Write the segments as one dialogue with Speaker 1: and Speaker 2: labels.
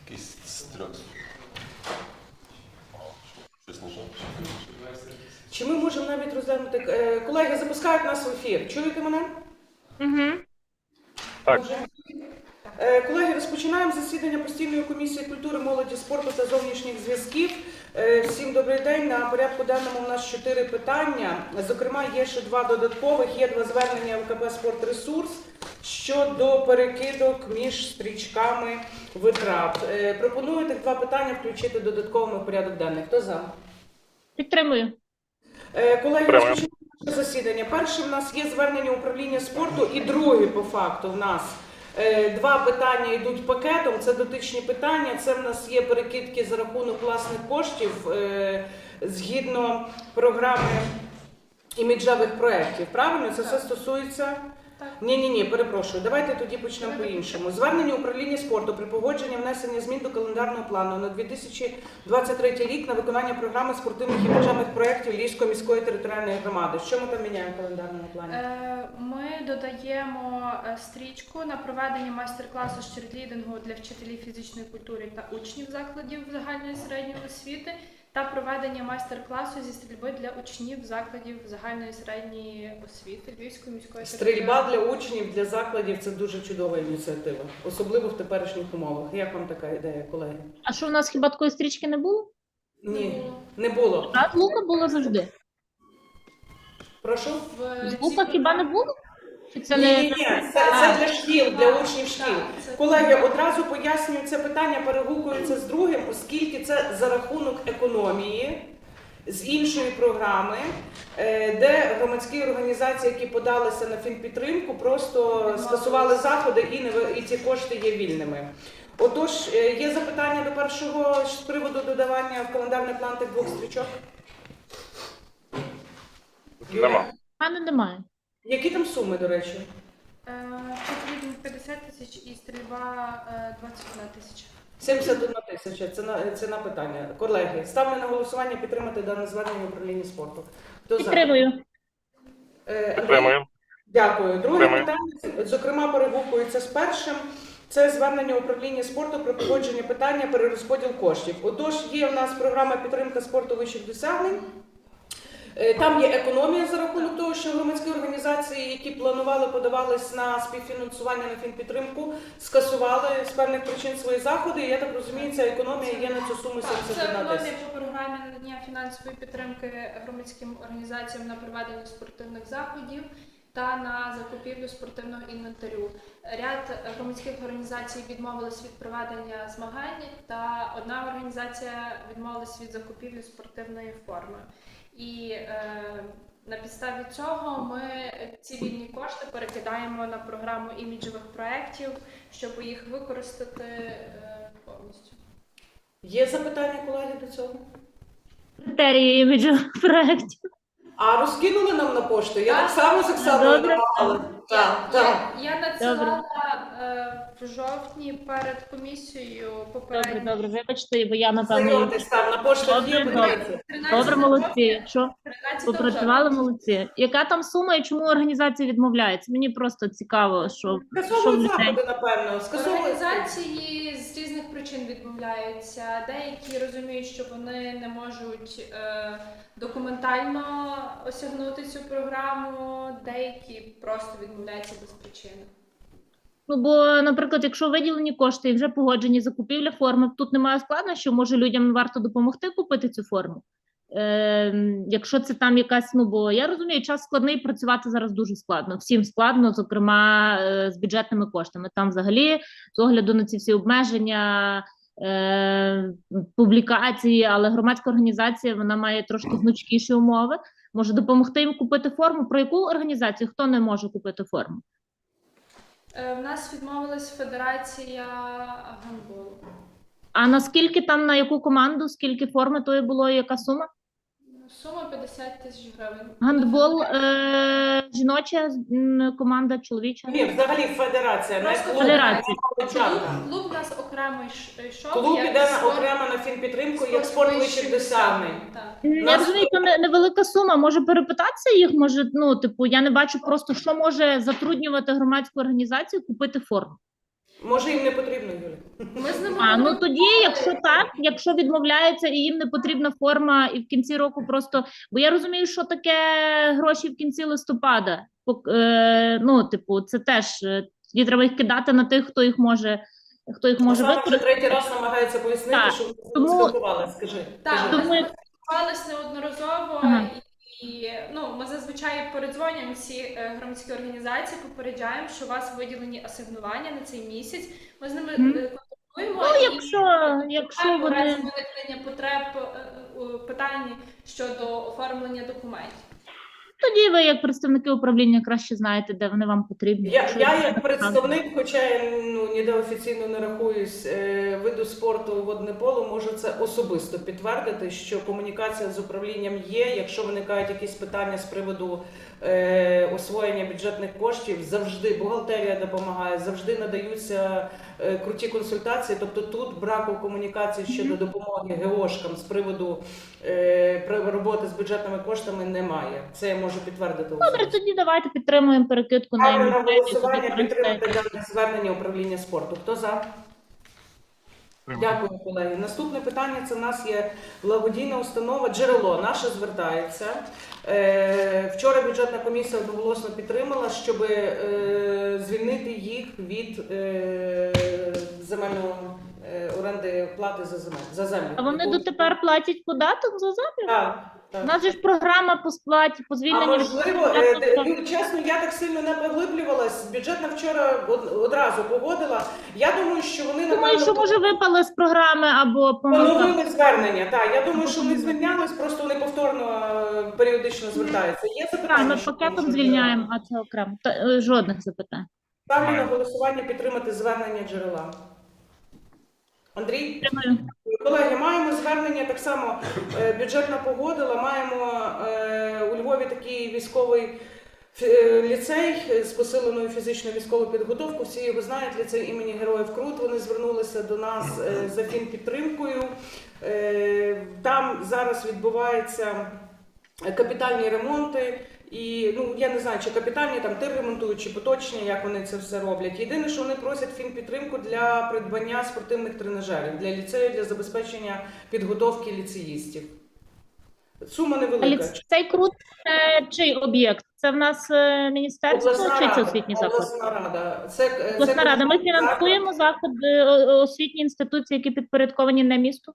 Speaker 1: Якийсь стрес. Щось нажав.
Speaker 2: Чи ми можемо навіть розглянути... Колеги, запускають нас в ефір. Чуєте мене?
Speaker 3: Угу.
Speaker 4: Так.
Speaker 2: Колеги, розпочинаємо засідання постійної комісії культури, молоді, спорту та зовнішніх зв'язків. Всім добрий день. На порядку денному у нас 4 питання. Зокрема, є ще 2 додаткових. Є 2 звернення ВКП «Спортресурс» щодо перекидок між стрічками витрат. Пропоную тих 2 питання включити додатково в порядок денний. Хто за?
Speaker 3: Підтримую.
Speaker 2: Колеги, розпочинаємо засідання. Перше в нас є звернення управління спорту і друге по факту в нас. 2 питання йдуть пакетом, це дотичні питання, це в нас є перекидки за рахунок власних коштів згідно програми іміджевих проєктів. Правильно? Це все стосується? Ні, перепрошую. Давайте тоді почнемо по-іншому. Звернення управління спорту при погодженні внесення змін до календарного плану на 2023 рік на виконання програми спортивних і іміджевих проєктів Львівської міської територіальної громади. Що ми там міняємо в календарному плані?
Speaker 5: Ми додаємо стрічку на проведення майстер-класу з черлідингу для вчителів фізичної культури та учнів закладів загальної середньої освіти та проведення майстер-класу зі стрільби для учнів закладів загальної середньої освіти Львівської міської
Speaker 2: Стрільба для учнів, для закладів – це дуже чудова ініціатива, особливо в теперішніх умовах. Як вам така ідея, колеги?
Speaker 3: А що, у нас хіба такої стрічки не було?
Speaker 2: Ні, не було.
Speaker 3: А лука було завжди.
Speaker 2: Прошу?
Speaker 3: З лука хіба не було? Чи це
Speaker 2: Ні,
Speaker 3: не...
Speaker 2: це для шкіл, для учнів шкіл. Колеги, одразу пояснюю це питання, перегукується з другим, оскільки це за рахунок економії з іншої програми, де громадські організації, які подалися на фінпідтримку, просто скасували заходи і ці кошти є вільними. Отож, є запитання до першого з приводу додавання в календарний план тих 2 стрічок?
Speaker 4: Нема.
Speaker 3: А немає.
Speaker 2: Які там суми, до речі?
Speaker 5: Черлідинг 50 тисяч і стрільба 21 тисяча.
Speaker 2: 71 тисяча, це на питання. Колеги, ставлю на голосування підтримати дане звернення управління спорту. Хто за?
Speaker 3: Підтримую.
Speaker 4: Підтримую.
Speaker 2: Дякую. Друге
Speaker 4: Підтримую.
Speaker 2: питання, зокрема, перегукується з першим. Це звернення управління спорту про погодження питання перерозподіл коштів. Отож, є в нас програма підтримка спорту вищих досягнень. Там є економія за рахунок того, що громадські організації, які планували, подавались на співфінансування на фінпідтримку, скасували з певних причин свої заходи. І я так розумію, ця економія є на цю суму
Speaker 5: Це
Speaker 2: 71
Speaker 5: економія
Speaker 2: тисяча.
Speaker 5: по програмі надання фінансової підтримки громадським організаціям на проведення спортивних заходів та на закупівлю спортивного інвентарю. Ряд громадських організацій відмовились від проведення змагань, та одна організація відмовилась від закупівлі спортивної форми. І на підставі цього ми ці вільні кошти перекидаємо на програму іміджевих проєктів, щоб їх використати повністю.
Speaker 2: Є запитання, колеги, до цього?
Speaker 3: Критерії іміджових проєктів.
Speaker 2: А розкинули нам на пошту? Я так само з
Speaker 3: Добре.
Speaker 2: Оксаною давала. Так.
Speaker 5: Я надсилала в жовтні перед комісією попередньо.
Speaker 3: Добре, вибачте, бо я, напевно...
Speaker 2: Знайомтесь там, на пошті є,
Speaker 3: Добре.
Speaker 2: подивіться.
Speaker 3: Добре, молодці. Що?
Speaker 5: 13
Speaker 3: Попрацювали, молодці. Яка там сума і чому організація відмовляється? Мені просто цікаво, що в
Speaker 2: Скасовують
Speaker 3: людей.
Speaker 2: заходи, напевно. Скасовують.
Speaker 5: Організації з різних причин відмовляються. Деякі розуміють, що вони не можуть документально осягнути цю програму, деякі просто відмовляються без причини.
Speaker 3: Ну, бо, наприклад, якщо виділені кошти і вже погоджені закупівля форми, тут немає складнощів, може людям варто допомогти купити цю форму. Якщо це там якась, ну, бо я розумію, час складний, працювати зараз дуже складно. Всім складно, зокрема, з бюджетними коштами. Там взагалі, з огляду на ці всі обмеження, публікації, але громадська організація, вона має трошки гнучкіші умови. Може допомогти їм купити форму. Про яку організацію? Хто не може купити форму?
Speaker 5: В нас відмовилась Федерація гандболу.
Speaker 3: А наскільки там, на яку команду, скільки форми тої було і яка сума?
Speaker 5: Сума 50 тисяч гривень.
Speaker 3: Гандбол жіноча команда, чоловіча?
Speaker 2: Ні, взагалі федерація, не
Speaker 5: Просто
Speaker 2: клуб.
Speaker 3: Федерація.
Speaker 5: Клуб у нас окремо йшов.
Speaker 2: Клуб
Speaker 5: як
Speaker 2: іде
Speaker 5: спорт-
Speaker 2: окремо на фінпідтримку, як спорт вищих досягнень.
Speaker 5: Так.
Speaker 3: Я розумію, то невелика сума. Може перепитатися їх? Може, ну, типу, я не бачу просто, що може затруднювати громадську організацію купити форму.
Speaker 2: Може їм не потрібно, Юля?
Speaker 5: Ми з ними
Speaker 3: Ну тоді, якщо так, якщо відмовляються і їм не потрібна форма, і в кінці року просто, бо я розумію, що таке гроші в кінці листопада. Ну, типу, це теж тоді треба їх кидати на тих, хто їх може
Speaker 2: Оксана вже
Speaker 3: використати.
Speaker 2: третій раз намагається пояснити,
Speaker 3: Так.
Speaker 2: що ви
Speaker 3: Тому-
Speaker 2: спілкувалися. Скажи.
Speaker 5: Так,
Speaker 2: Кажи.
Speaker 5: ми
Speaker 3: Тому-
Speaker 5: спілкувалися неодноразово,
Speaker 3: Ага.
Speaker 5: і ми зазвичай передзвонюємо всі громадські організації, попереджаємо, що у вас виділені асигнування на цей місяць. Ми з ними контактуємо.
Speaker 3: Ну,
Speaker 5: і
Speaker 3: якщо
Speaker 5: в
Speaker 3: вони...
Speaker 5: разі виникнення потреб питань щодо оформлення документів.
Speaker 3: Тоді ви, як представники управління, краще знаєте, де вони вам потрібні.
Speaker 2: Я
Speaker 3: Якщо
Speaker 2: як представник, хоча я ніде офіційно не рахуюсь виду спорту водне поло, можу це особисто підтвердити, що комунікація з управлінням є. Якщо виникають якісь питання з приводу освоєння бюджетних коштів, завжди бухгалтерія допомагає, завжди надаються круті консультації. Тобто тут браку комунікації щодо допомоги ГОшкам з приводу роботи з бюджетними коштами немає. Це я можу підтвердити.
Speaker 3: Добре, тоді давайте підтримуємо перекидку на
Speaker 2: Ставлю на
Speaker 3: ім'я.
Speaker 2: голосування підтримати дане звернення управління спорту. Хто за? Дякую, колеги. Наступне питання – це в нас є благодійна установа «Джерело». Наша звертається. Вчора бюджетна комісія одноголосно підтримала, щоб звільнити їх від земельної оренди плати за землю.
Speaker 3: А вони дотепер платять податок за землю?
Speaker 2: Так,
Speaker 3: У
Speaker 2: так.
Speaker 3: нас же ж програма по сплаті, по
Speaker 2: А
Speaker 3: звільненню.
Speaker 2: можливо, чесно, я так сильно не поглиблювалась. Бюджетна вчора одразу погодила. Я думаю, що вони
Speaker 3: Думаю, що може випали з програми або помилка.
Speaker 2: поновили звернення. Так, я думаю, що вони звільнялись, просто вони повторно періодично звертаються. Є
Speaker 3: Так,
Speaker 2: запитання?
Speaker 3: ми
Speaker 2: що
Speaker 3: пакетом
Speaker 2: можна
Speaker 3: звільняємо, а це окремо. Жодних запитань.
Speaker 2: ставлю на голосування підтримати звернення «Джерела». Андрій?
Speaker 3: Підтримую.
Speaker 2: Колеги, маємо звернення, так само бюджетна погодила, маємо у Львові такий військовий ліцей з посиленою фізичною військовою підготовкою. Всі його знають, ліцей імені Героїв Крут. Вони звернулися до нас за фінпідтримкою. Там зараз відбуваються капітальні ремонти. І я не знаю, чи капітальні там тир ремонтують, чи поточні, як вони це все роблять. Єдине, що вони просять фінпідтримку для придбання спортивних тренажерів для ліцею, для забезпечення підготовки ліцеїстів. Сума невелика.
Speaker 3: Цей крут чий об'єкт? Це в нас міністерство чи це освітній заклад?
Speaker 2: Обласна рада.
Speaker 3: Обласна рада. Ми фінансуємо заходи, освітні інституції, які підпорядковані на місту?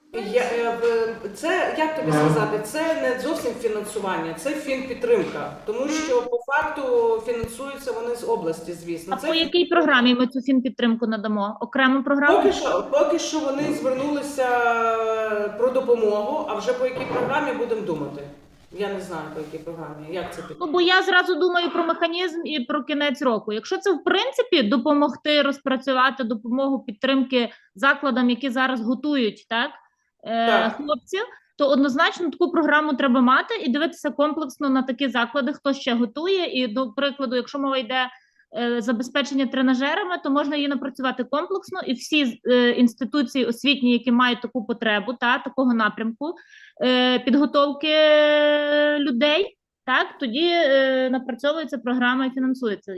Speaker 2: Це, як тобі сказати, це не зовсім фінансування, це фінпідтримка. Тому що по факту фінансуються вони з області, звісно.
Speaker 3: А по якій програмі ми цю фінпідтримку надамо? Окрему програму?
Speaker 2: Поки що вони звернулися про допомогу, а вже по якій програмі будемо думати. Я не знаю, по якій програмі. Як це підтримка?
Speaker 3: Бо я зразу думаю про механізм і про кінець року. Якщо це в принципі допомогти розпрацювати допомогу підтримки закладам, які зараз готують, так. Хлопців, то однозначно таку програму треба мати і дивитися комплексно на такі заклади, хто ще готує. І, до прикладу, якщо мова йде забезпечення тренажерами, то можна її напрацювати комплексно, і всі інституції освітні, які мають таку потребу, такого напрямку підготовки людей, так, тоді напрацьовується програма і фінансується.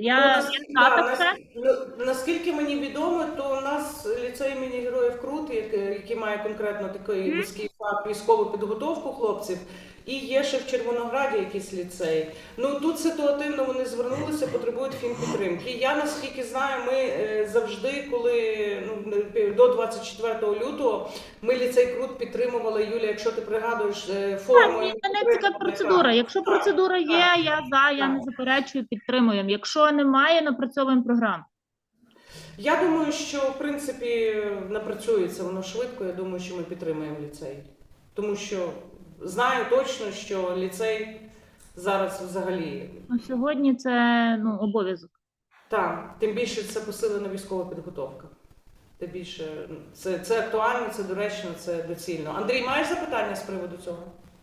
Speaker 2: Наскільки мені відомо, то у нас ліцей імені Героїв Крут, який має конкретно такий вузький фах військову підготовку хлопців, і є ще в Червонограді якийсь ліцей. Тут ситуативно вони звернулися, потребують фінпідтримки. Я, наскільки знаю, ми завжди, коли до 24 лютого, ми ліцей Крут підтримували, Юлія, якщо ти пригадуєш, форму.
Speaker 3: Так, мене цікава процедура. Якщо процедура є, я не заперечую, підтримуємо. Якщо немає, напрацьовуємо програму.
Speaker 2: Я думаю, що, в принципі, напрацюється воно швидко, я думаю, що ми підтримуємо ліцей. Тому що знаю точно, що ліцей зараз взагалі...
Speaker 3: Сьогодні це обов'язок.
Speaker 2: Так, тим більше це посилена військова підготовка. Тим більше це актуально, це доречно, це доцільно. Андрій, маєш запитання з приводу цього?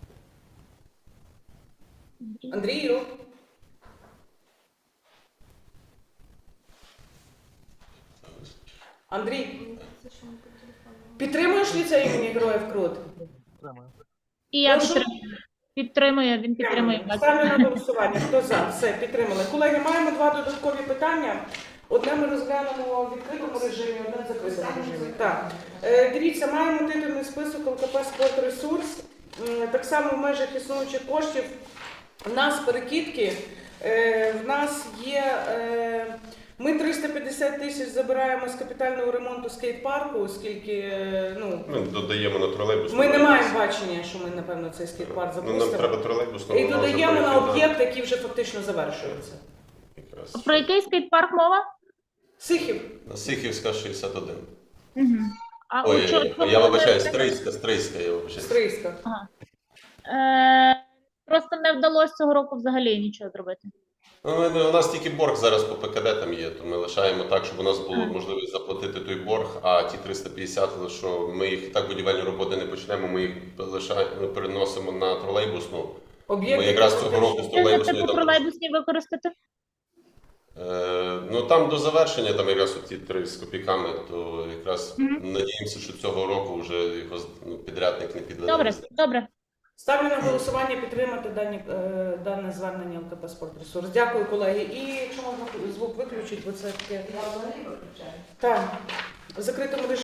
Speaker 2: Андрію? Андрій, підтримуєш ліцей імені Героїв Крут?
Speaker 3: І я
Speaker 2: Прошу?
Speaker 3: підтримую, він підтримує.
Speaker 2: Ставлю на голосування. Хто за? Все, підтримали. Колеги, маємо два додаткові питання. Одне ми розглянемо в відкритому режимі, одне в закритому режимі. Так. Дивіться, маємо титульний список ЛКП «Спортресурс». Так само в межах існуючих коштів в нас перекидки, в нас є, ми 350 тисяч забираємо з капітального ремонту скейт-парку, оскільки,
Speaker 1: Ми додаємо на тролейбус.
Speaker 2: ми не маємо бачення, що ми, напевно, цей скейт-парк
Speaker 1: Ну, нам
Speaker 2: запустимо.
Speaker 1: треба тролейбус.
Speaker 2: І додаємо на об'єкт, який вже фактично завершується.
Speaker 3: Про який скейт-парк мова?
Speaker 2: Сихів.
Speaker 1: На Сихівська 61.
Speaker 3: Угу. А
Speaker 1: Ой,
Speaker 3: от що-
Speaker 1: я вибачаю, Стрийська, я вибачаю.
Speaker 2: Стрийська.
Speaker 3: Просто не вдалося цього року взагалі нічого зробити.
Speaker 1: Ну, у нас тільки борг зараз по ПКД там є, то ми лишаємо так, щоб у нас було можливість заплатити той борг, а ті 350, що ми їх і так будівельні роботи не почнемо, ми їх переносимо на тролейбусну.
Speaker 2: Об'єкт.
Speaker 1: Ми якраз цього року з
Speaker 3: Що за
Speaker 1: тролейбусної
Speaker 3: типу
Speaker 1: там.
Speaker 3: тролейбусні використати?
Speaker 1: Ну там до завершення, там якраз ті 3 з копійками, то якраз
Speaker 3: Мгм.
Speaker 1: надіємося, що цього року вже його підрядник не підведе.
Speaker 3: Добре, добре.
Speaker 2: Ставлю на голосування підтримати дане звернення ЛКП «Спортресурс». Дякую, колеги. І якщо можна звук виключити, бо це таке. Так, в закритому режимі.